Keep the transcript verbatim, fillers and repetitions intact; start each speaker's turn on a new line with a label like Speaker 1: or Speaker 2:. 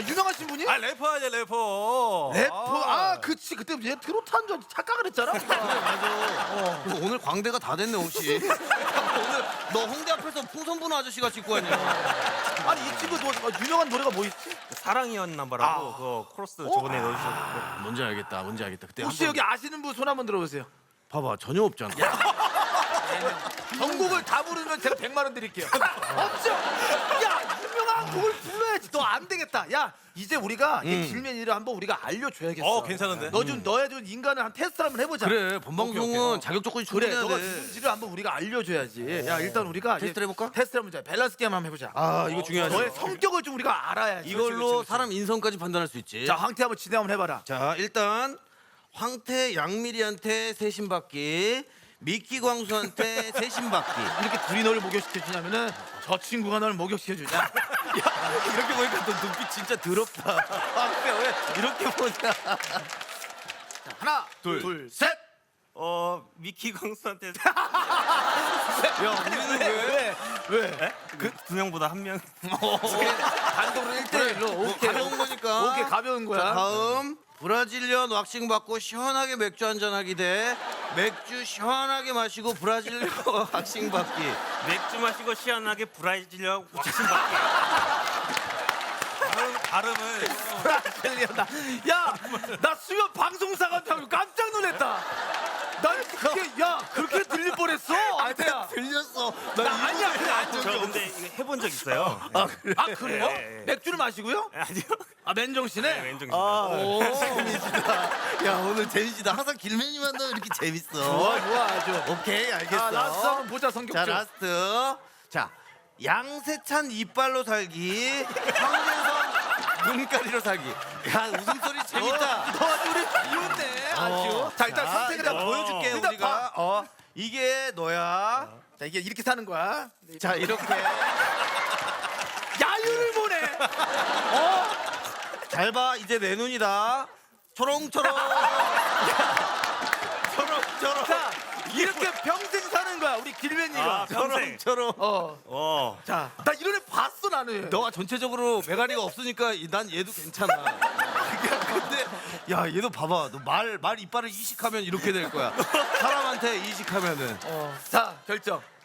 Speaker 1: 유명하신 분이?
Speaker 2: 아 래퍼 아니야 래퍼.
Speaker 1: 래퍼. 아, 그치. 그때 얘 트로트 한 줄 착각을 했잖아.
Speaker 3: 맞아. 그 오늘 광대가 다 됐네 옷이. 오늘 너 홍대 앞에서 풍선부는 아저씨가 찍고 왔냐?
Speaker 1: 아니, 이 친구 뭐 유명한 노래가 뭐 있지?
Speaker 2: 사랑이었나 봐라고 그 코러스 저번에 넣어주셨고.
Speaker 3: 뭔지 알겠다. 뭔지 알겠다. 그때
Speaker 1: 혹시
Speaker 3: 한번
Speaker 1: 여기 아시는 분 손 한번 들어보세요.
Speaker 3: 봐봐 전혀 없잖아.
Speaker 1: 전곡을 다 부르면 제가 백만 원 드릴게요. 없죠? 야, 유명한 곡을 불러야지. 너 안 되겠다. 야, 이제 우리가 이 길맨이를 한번 우리가 알려줘야겠어.
Speaker 2: 어 괜찮은데.
Speaker 1: 너 좀 너의 좀 인간을 한 테스트 한번 해보자.
Speaker 3: 그래 본방송은 자격 조건이
Speaker 1: 그래,
Speaker 3: 충분해야
Speaker 1: 너가
Speaker 3: 돼.
Speaker 1: 누군지를 한번 우리가 알려줘야지. 야, 일단 우리가
Speaker 3: 테스트를 해볼까?
Speaker 1: 테스트를 해보자. 밸런스 게임 한번 해보자.
Speaker 3: 아 이거 중요하지.
Speaker 1: 너의 성격을 좀 우리가 알아야지.
Speaker 3: 이걸로
Speaker 1: 그렇지, 그렇지.
Speaker 3: 사람 인성까지 판단할 수 있지.
Speaker 1: 자, 황태 한번 진행 한번 해봐라.
Speaker 3: 자 일단 황태 양미리한테 세신받기, 미끼 광수한테 세신받기.
Speaker 1: 이렇게 둘이 너를 목욕시켜주냐면은 저 친구가 너를 목욕시켜주냐?
Speaker 3: 야 이렇게 보니까 너 눈빛 진짜 더럽다. 황태 왜 이렇게 보냐?
Speaker 1: 자, 하나, 둘, 둘, 셋.
Speaker 2: 어 미키 광수한테
Speaker 3: 야 우리는 왜?
Speaker 1: 왜?
Speaker 2: 그 두 명보다 한 명.
Speaker 1: 단독으로 일 대일로 오케이.
Speaker 3: 가벼운 거니까.
Speaker 1: 오케이, 가벼운 거야.
Speaker 3: 자, 다음 브라질리언 왁싱 받고 시원하게 맥주 한잔 하기 대 맥주 시원하게 마시고 브라질리언 왁싱 받기.
Speaker 2: 맥주 마시고 시원하게 브라질리아 왁싱 받기. 발음, 발음을
Speaker 1: 브라질리언다. 야, 나 수면 방송사가 타고 깜짝 놀랐다. 난 그렇게 야 그렇게 들릴 뻔했어. 안돼야.
Speaker 3: 들렸어.
Speaker 1: 나 아니야. 그래, 아니야.
Speaker 2: 저 근데 이거 해본 적 있어요.
Speaker 1: 아, 그래? 아, 그래요?
Speaker 2: 네, 네.
Speaker 1: 맥주를 마시고요?
Speaker 2: 아니요.
Speaker 1: 아, 맨정신에?
Speaker 2: 네, 왼쪽
Speaker 3: 아,
Speaker 1: 오.
Speaker 3: 재밌다. 야 오늘 재밌다. 항상 길맨이만 너 이렇게 재밌어.
Speaker 1: 좋아, 좋아, 아주.
Speaker 3: 오케이 알겠어.
Speaker 1: 아, 라스트 한번 보자, 성격
Speaker 3: 자
Speaker 1: 좀.
Speaker 3: 라스트. 자 양세찬 이빨로 살기, 황재성 눈가리로 살기. 야 웃음소리 재밌다.
Speaker 1: 너 아주 우리 비웃네, 아주.
Speaker 3: 어.
Speaker 1: 자, 일단
Speaker 3: 자,
Speaker 1: 선택을
Speaker 3: 일단
Speaker 1: 해봐.
Speaker 3: 보여줄게
Speaker 1: 일단
Speaker 3: 우리가.
Speaker 1: 봐.
Speaker 3: 어 이게 너야.
Speaker 1: 자, 이게 이렇게 사는 거야.
Speaker 3: 자 이렇게
Speaker 1: 야유를 보내.
Speaker 3: 잘 봐. 이제 내 눈이다. 초롱초롱. 초롱초롱.
Speaker 1: 자, 이렇게 평생 사는 거야, 우리 길맨이가.
Speaker 2: 아, 평생.
Speaker 3: 초롱초롱.
Speaker 1: 어.
Speaker 2: 어.
Speaker 1: 자, 나 이런 애 봤어, 나는.
Speaker 3: 너가 전체적으로 메가리가 없으니까 이- 난 얘도 괜찮아. 근데 야 얘도 봐봐. 너 말 말 이빨을 이식하면 이렇게 될 거야. 사람한테 이식하면은.
Speaker 1: 어. 자, 결정.